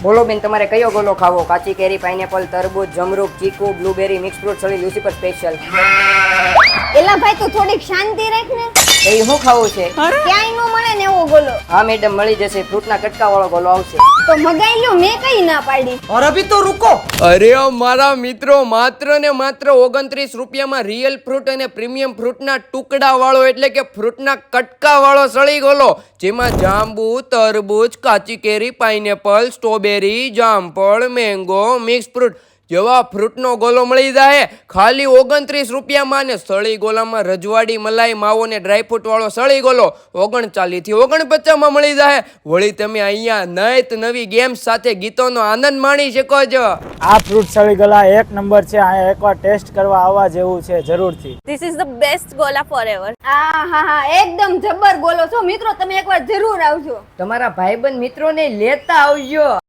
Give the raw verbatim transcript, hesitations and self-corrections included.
બોલો બેન, તમારે કયો ગોલો ખાવો? કાચી કેરી, પાઇનેપલ, તરબૂચ, જમરૂક, ચીકુ, બ્લુબેરી, મિક્સ ફ્રૂટ, સળી, લ્યુસીફર સ્પેશિયલ. એલા ભાઈ તું થોડીક શાંતિ રાખ ને. એ શું ખાવું છે? ક્યાંય નો મળે ને એવો ગોલો. હા મેડમ, મળી જશે. ફ્રૂટના કટકા વાળો ગોલો આવશે. તો મગાઈ લ્યો, મેં કઈ ના પાડી. और अभी तो रुको. અરે મારા મિત્રો, માત્ર ને માત્ર ઓગણત્રીસ રૂપિયામાં રિયલ ફ્રૂટ અને પ્રીમિયમ ફ્રૂટના ટુકડા વાળો એટલે કે ફ્રૂટના કટકા વાળો સળી ગોલો, જેમાં જાંબુ, તરબૂચ, કાચી કેરી, પાઇનેપલ, સ્ટ્રોબેરી, જામફળ, મેંગો, મિક્સ ફ્રૂટ જેવા ફ્રૂટનો ગોલો મળી જાય ખાલી ઓગણત્રીસ રૂપિયામાં. ને સળી ગોલામાં રજવાડી, મલાઈ, માવો ને ડ્રાયફ્રૂટ વાળો સળી ગોલો ઓગણચાલીસ થી ઓગણપચાસમાં મળી જાય. વળી તમે અહીંયા નયત નવી ગેમ્સ સાથે ગીતોનો આનંદ માણી શકો છો. આ ફ્રૂટ સળી ગલા એક નંબર છે. આ એકવાર ટેસ્ટ કરવા આવવા જેવું છે જરૂરથી. This is the best gola forever. આ હા હા એકદમ જબર ગોલો છો મિત્રો, તમે એકવાર જરૂર આવજો. તમારા ભાઈબંધ મિત્રોને લેતા આવજો.